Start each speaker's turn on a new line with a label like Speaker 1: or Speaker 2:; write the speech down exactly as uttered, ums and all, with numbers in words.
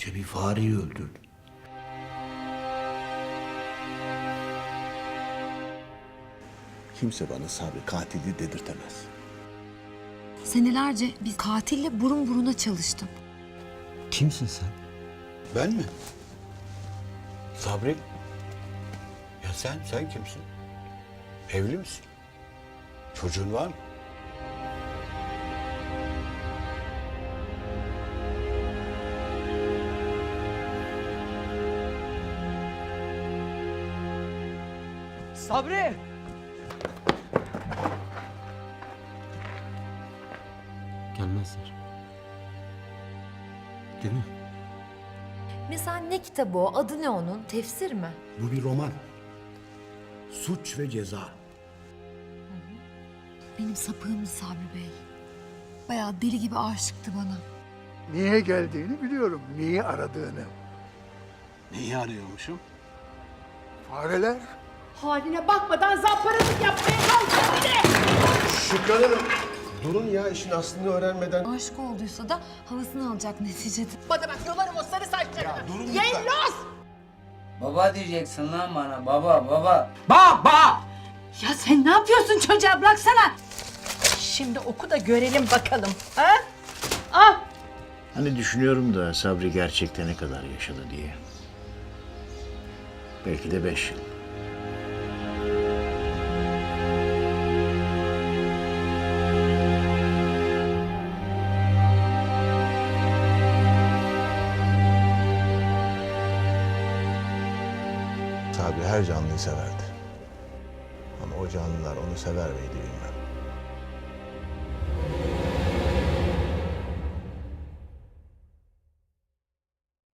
Speaker 1: İşte bir fareyi öldürdü. Kimse bana Sabri katili dedirtemez.
Speaker 2: Senelerce bir katille burun buruna çalıştım.
Speaker 3: Kimsin sen?
Speaker 1: Ben mi? Sabri? Ya sen, sen kimsin? Evli misin? Çocuğun var mı?
Speaker 4: Sabri!
Speaker 3: Gelmezler. Değil mi?
Speaker 2: Mesela ne kitabı o? Adı ne onun? Tefsir mi?
Speaker 1: Bu bir roman. Suç ve Ceza.
Speaker 2: Benim sapığımdı Sabri Bey. Bayağı deli gibi aşıktı bana.
Speaker 5: Niye geldiğini biliyorum, niye aradığını.
Speaker 1: Neyi arıyormuşum?
Speaker 5: Fareler.
Speaker 6: Haline bakmadan zamparalık yapmaya kalkıyor bir de.
Speaker 7: Şükran Hanım, durun ya işin aslını öğrenmeden.
Speaker 2: Aşık olduysa da havasını alacak neticede.
Speaker 6: Bana bak yolarım o sarı saçlarını.
Speaker 7: durun lütfen.
Speaker 6: Yellos!
Speaker 8: Baba diyeceksin lan bana. Baba, baba.
Speaker 6: Baba! Ya sen ne yapıyorsun çocuğa bıraksana. Şimdi oku da görelim bakalım. Ha? Ah!
Speaker 9: Hani düşünüyorum da Sabri gerçekten ne kadar yaşadı diye. Belki de beş yıl.
Speaker 7: Sabri her canlıyı severdi. Ama o canlılar onu sever miydi bilmem.